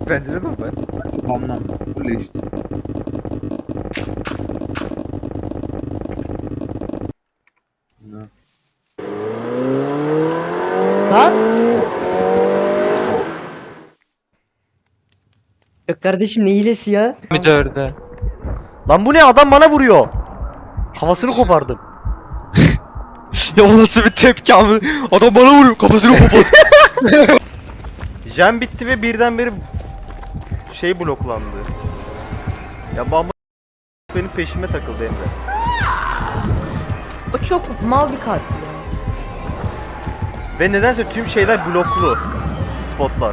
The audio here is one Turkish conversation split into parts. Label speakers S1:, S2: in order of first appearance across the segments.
S1: Pencere mi ben?
S2: Tamam. Öyle işte. Ne?
S3: Lan. Yok kardeşim ne hilesi ya?
S4: Müdürde.
S1: Lan bu ne, adam bana vuruyor. Havasını kopardım.
S4: Ya o nasıl bir tepki abi? Adam bana vuruyor, kafasını kopar.
S1: Jam bitti ve birdenbire şey bloklandı. Ya bamba benim peşime takıldı Emre.
S3: O çok mal bir katil ya.
S1: Ve nedense tüm şeyler bloklu. Spotlar.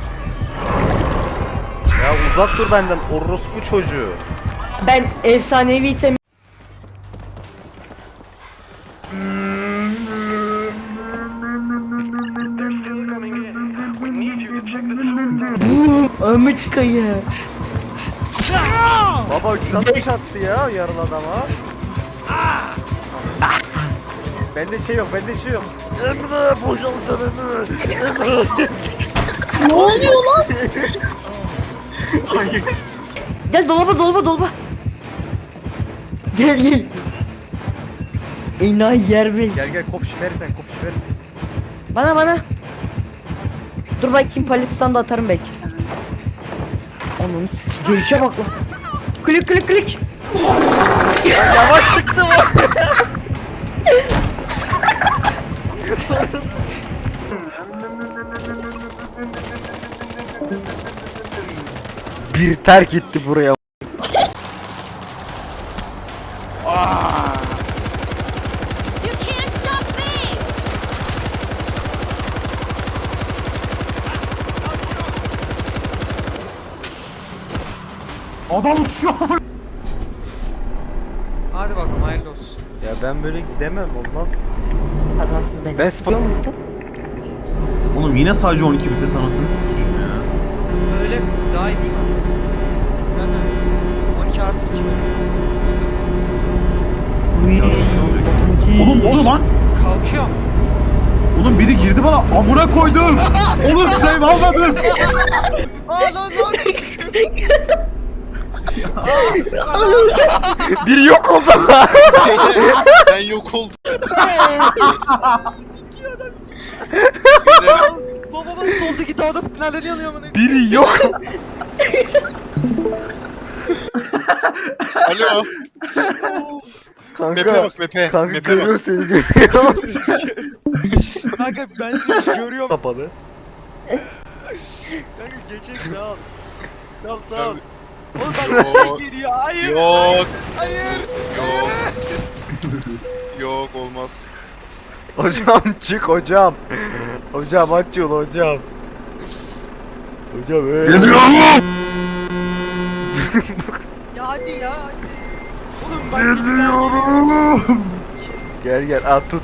S1: Ya uzak dur benden orospu çocuğu.
S3: Ben efsanevi item... Ahmet Kaya.
S1: Baba 360 attı ya yarın adama. Bende şey yok, bende şey yok. Emre boşaltın Emre.
S3: Ne oluyor lan? Gel dolaba. Gel. Enayi yer bey.
S1: Gel kop şimersen, kop şimersen.
S3: Bana. Dur bakayım paletten de atarım belki. Onun gelişe bak lan. Klik.
S1: Yavaş çıktı mı? Bir terk etti buraya.
S5: You can't stop me!
S2: Adam uçuyor.
S4: Hadi bakalım hayırlı olsun.
S1: Ya ben böyle gidemem, olmaz.
S3: Hatasız ben.
S1: Ben spor...
S2: Oğlum yine sadece 12 vites anasını sikeyim ya.
S4: Böyle daha iyi değil mi? Ben de 12 artı 2
S2: Oğlum ne oluyor lan?
S4: Kalkıyorum.
S2: Oğlum biri girdi bana amına koydum. Oğlum save almadım.
S4: Lan.
S1: Biri yok oldu.
S6: Ben yok oldum.
S4: Babamın soldaki dağda neler yanıyor mu?
S1: Biri yok.
S6: Alo.
S1: Kanka.
S6: Map'e bak map'e.
S1: Kanka
S6: Map'e
S1: görüyor
S6: bak.
S1: seni görüyor.
S4: Kanka ben seni görüyorum.
S1: Kapalı.
S4: Kanka geçek sağ ol. Sağ ol. Oğlum
S6: Yok.
S4: bak bir şey geliyor. Hayır.
S6: Yok.
S4: Hayır.
S6: Yok. Yok olmaz.
S1: Hocam çık hocam. Hocam aç yolu hocam. Hocam
S4: Ya hadi ya hadi. Oğlum bak bir daha
S1: Gel at tut.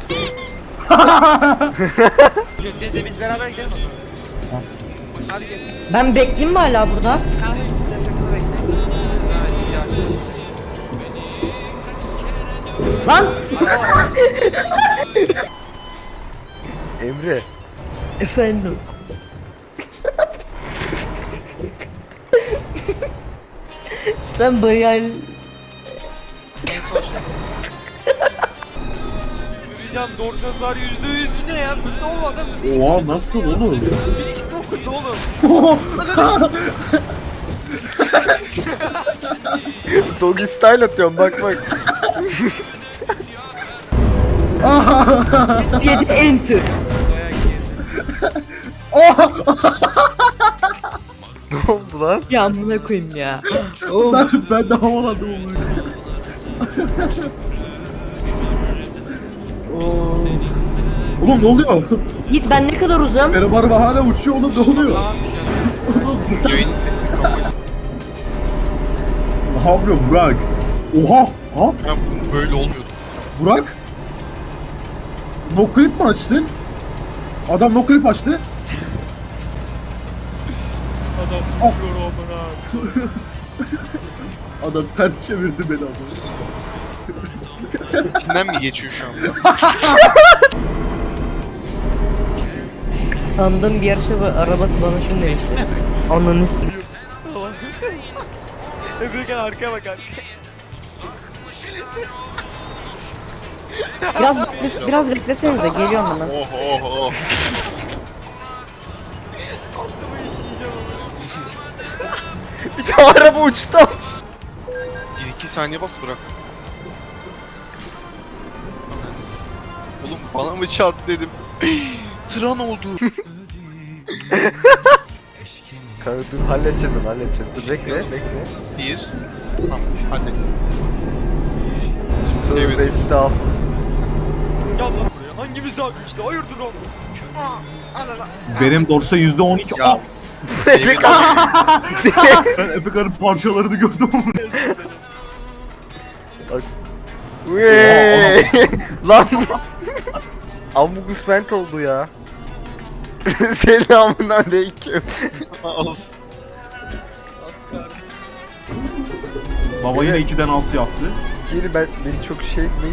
S4: Neyse biz beraber gidelim o zaman. Hadi gelin.
S3: Ben bekleyeyim mi hala burada?
S4: Kanka siz efekti bekleyin. Evet biz yavaş yavaş.
S3: Lan!
S1: Emre.
S3: Efendim. Sen bayağı...
S4: Neyse hoş. Yürüyeceğim dorsa hasar %100 ne ya? Biz olmadı.
S2: Oha nasıl oğlum?
S4: Bilinç dokundu oğlum.
S1: Doggy style atıyorum bak.
S3: 7 enter.
S4: Dayak yeriz.
S1: Ne oldu lan?
S3: Ya amına koyayım ya.
S2: Ben de havalandım oğlum. Oğlum ne oluyor?
S3: Yiğit ben ne kadar uzam?
S2: Benim araba hala uçuyor oğlum ne oluyor?
S4: Ne yapacağım?
S6: Yayının sesini kapat.
S2: Ne yapıyorsun Burak? Oha! Ha?
S6: Ben böyle olmuyordu.
S2: Burak? No clip mi açtın? Adam no clip açtı.
S6: Adam vuruyor amına.
S2: Adam ters çevirdi beni ama.
S6: İçinden mi geçiyor şu anda?
S3: Tanıdığım bir yarışma arabası bana şunu demişti. Ananı s-
S4: Efekan arkaya bak arkaya.
S3: Biraz beklesenize geliyorum hemen.
S6: Oh oh oh.
S4: Altıma işleyeceğim ama.
S1: Bir tane araba uçtu.
S6: 1-2 saniye bas bırak. Oğlum bana mı çarptı dedim. Tran oldu.
S1: Kanka dur halledeceğiz onu halledeceğiz. Dur bekle.
S6: Bir. Tamam hadi. Şimdi
S1: Tövbe
S6: sevdim.
S1: estağfurullah.
S4: Gel lan buraya. Hangimiz daha güçlü? Hayırdır oğlum? Al al al.
S2: Benim dorsa %12.
S6: Ya.
S2: Aa,
S1: Efekan.
S2: ben Efekan'ın parçalarını gördüm.
S1: Uyyy. Lan. Amugus vent oldu ya. Selamun aleyküm.
S6: Az.
S4: Asgar.
S2: Baba yine 2'den 6 yaptı.
S1: Geri beni çok şey etmeyin.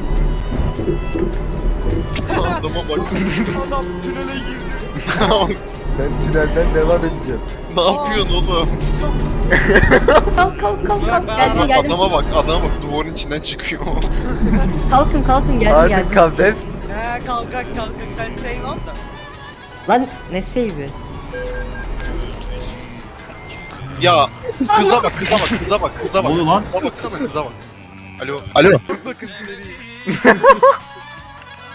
S6: Adama bak.
S4: Adam tünele girdi.
S1: Ben tünelden devam edeceğim.
S6: Ne yapıyorsun oğlum?
S3: Kalk. Geldim.
S6: Adama bak duvarın içinden çıkıyor.
S3: Kalkın geldim.
S1: Artık kavdef.
S4: Kalkak sen save al da.
S3: Lan ne save'i?
S6: Ya kıza bak.
S2: Ne oluyor lan?
S6: Kıza baksana kıza bak. Alo.
S4: Bakın seriyi.